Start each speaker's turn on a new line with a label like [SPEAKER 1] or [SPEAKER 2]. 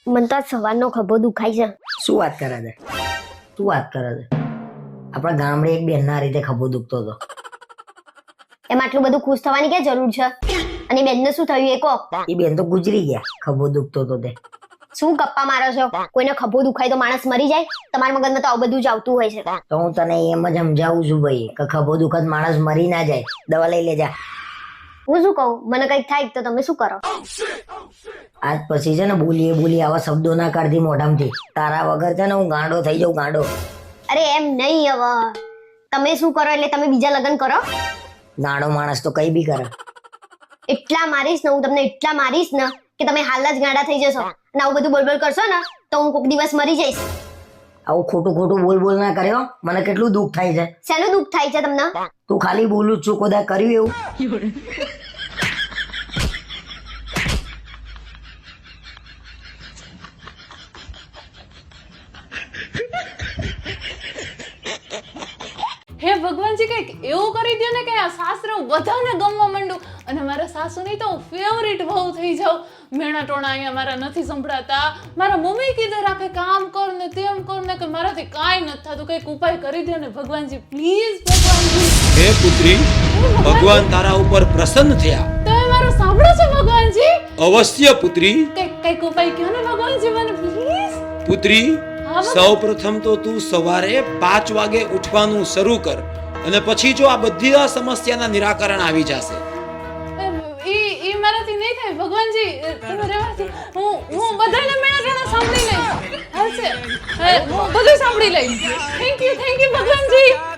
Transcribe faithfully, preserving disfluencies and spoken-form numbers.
[SPEAKER 1] મને તો સવારનો ખભો દુખાય છે.
[SPEAKER 2] શું વાત કરે છે શું વાત કરે છે આપણા ગામડે એક બેનના રીતે ખભો દુખતો હતો.
[SPEAKER 1] એમાં આટલું બધું ખુશ થવાની ક્યાં જરૂર છે? અને બેનને શું થયું એ કહો.
[SPEAKER 2] એ બેન તો ગુજરી ગયા, ખભો દુખતો હતો તે.
[SPEAKER 1] શું ગપ્પા મારો છો? કોઈને ખભો દુખાય તો માણસ મરી જાય? તમારા મગજમાં તો આવું બધું જ આવતું હોય છે.
[SPEAKER 2] તો હું તને એમ જ સમજાવું છું ભાઈ કે ખભો દુખત માણસ મરી ના જાય, દવા લઈ લેજા.
[SPEAKER 1] હું શું કહું, મને કઈક થાય તો તમે શું કરો?
[SPEAKER 2] આજ પછી છે ને બોલીએ બોલી આવા શબ્દો ના કાઢતી મોઢામાંથી. તારા વગર છે ને હું ગાંડો થઈ જાઉં, ગાંડો.
[SPEAKER 1] અરે એમ નહીં, હવે તમે શું કરો એટલે તમે બીજા લગ્ન કરો?
[SPEAKER 2] નાનો માણસ તો કઈ બી કરે.
[SPEAKER 1] એટલા મારીશ ને હું તમને, એટલા મારીશ ને કે તમે હાલ જ ગાંડા થઈ જશો. અને આવું બધું બોલબોલ કરશો ને તો હું કોઈક દિવસ મરી જઈશ.
[SPEAKER 2] આવું ખોટું ખોટું બોલ બોલ ના કર્યો, મને કેટલું દુઃખ થાય છે.
[SPEAKER 1] શેનું દુઃખ થાય છે તમને?
[SPEAKER 2] તું ખાલી બોલું જ છું, કોદા કર્યું એવું?
[SPEAKER 3] હે ભગવાનજી, કઈક એવું કરી દો ને કે આ સાસરે બધાને ગમવા માંડું અને મારા સાસુની તો ફેવરિટ વહુ થઈ જાઉં. મેણા ટોણા અહીંયા મારા નથી સંભળાતા. મારા મમ્મી કીધે રાખે કામ કર ને તેમ કર ને કે મારાથી કાંઈ નથી થતું. કઈક ઉપાય કરી દો ને ભગવાનજી, પ્લીઝ ભગવાનજી.
[SPEAKER 4] હે પુત્રી, ભગવાન તારા ઉપર પ્રસન્ન થયા.
[SPEAKER 3] તમે મારું સાંભળો છો ભગવાનજી?
[SPEAKER 4] અવશ્ય પુત્રી.
[SPEAKER 3] કઈક કઈક ઉપાય કહો ને ભગવાનજી મને, પ્લીઝ.
[SPEAKER 4] પુત્રી, સૌ પ્રથમ તો તું સવારે પાંચ વાગે ઉઠવાનું શરૂ કર અને પછી જો આ બધી સમસ્યાના નિરાકરણ આવી જશે.
[SPEAKER 3] ઈ ઈ મારાથી નહીં થાય ભગવાનજી, તમે રહેવાથી હું હું બધાને મેળા ટાણા સાંભળી લઈશ. હાલશે, હું બધું સાંભળી લઈશ. Thank you thank you Bhagwanji.